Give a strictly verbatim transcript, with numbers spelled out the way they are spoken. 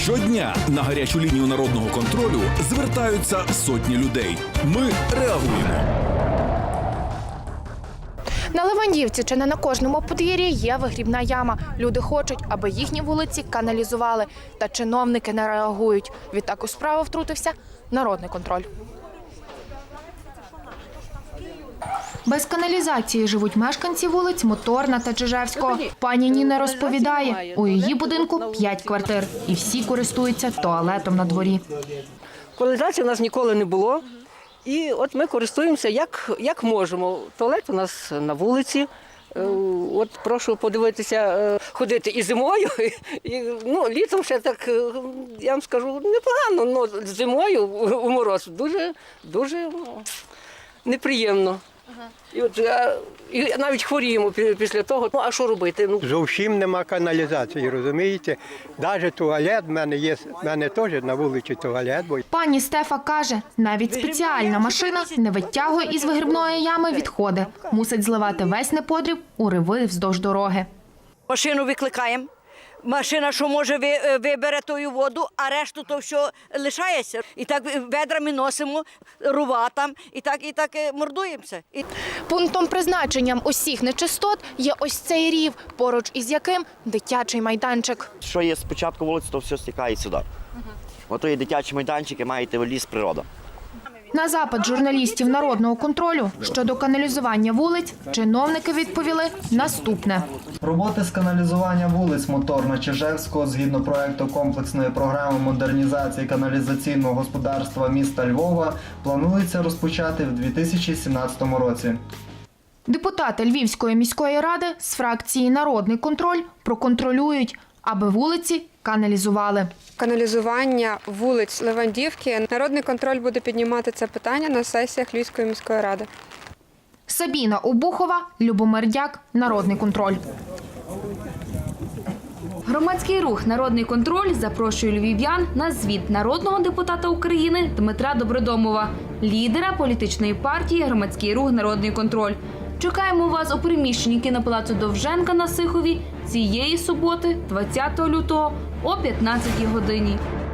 Щодня на гарячу лінію народного контролю звертаються сотні людей. Ми реагуємо. На Левандівці чи не на кожному подвір'ї є вигрібна яма. Люди хочуть, аби їхні вулиці каналізували. Та чиновники не реагують. Відтак у справу втрутився народний контроль. Без каналізації живуть мешканці вулиць Моторна та Чижевського. Пані Ніна розповідає, у її будинку п'ять квартир і всі користуються туалетом на дворі. Каналізації у нас ніколи не було. І от ми користуємося як, як можемо. Туалет у нас на вулиці. От прошу подивитися, ходити і зимою, і ну, літом ще так, я вам скажу, непогано, але зимою у мороз дуже, дуже неприємно. І от і навіть хворіємо після того. Ну, а що робити? Ну, зовсім нема каналізації, розумієте? Навіть туалет, в мене є, в мене теж на вулиці туалет. Бо... Пані Стефа каже, навіть спеціальна машина не витягує із вигрібної ями відходи. Мусить зливати весь неподріб у риви вздовж дороги. Машину викликаємо. Машина, що може, вибере ту воду, а решту то все лишається. І так ведрами носимо, рува там, і так, і так мордуємося. І... Пунктом призначенням усіх нечистот є ось цей рів, поруч із яким дитячий майданчик. Що є спочатку вулиці, то все стікає сюди. Угу. Ото є дитячі майданчики, маєте ліс природа. На запит журналістів народного контролю щодо каналізування вулиць чиновники відповіли наступне. Роботи з каналізування вулиць Моторно-Чижевського згідно проекту комплексної програми модернізації каналізаційного господарства міста Львова планується розпочати в дві тисячі сімнадцятому році. Депутати Львівської міської ради з фракції «Народний контроль» проконтролюють, аби вулиці каналізували. Каналізування вулиць Левандівки. Народний контроль буде піднімати це питання на сесіях Львівської міської ради. Сабіна Обухова, Любомир Дяк, Народний контроль. Громадський рух «Народний контроль» запрошує львів'ян на звіт народного депутата України Дмитра Добродомова, лідера політичної партії «Громадський рух «Народний контроль». Чекаємо вас у приміщенні кінопалацу Довженка на Сихові цієї суботи, двадцятого лютого, о п'ятнадцятій годині.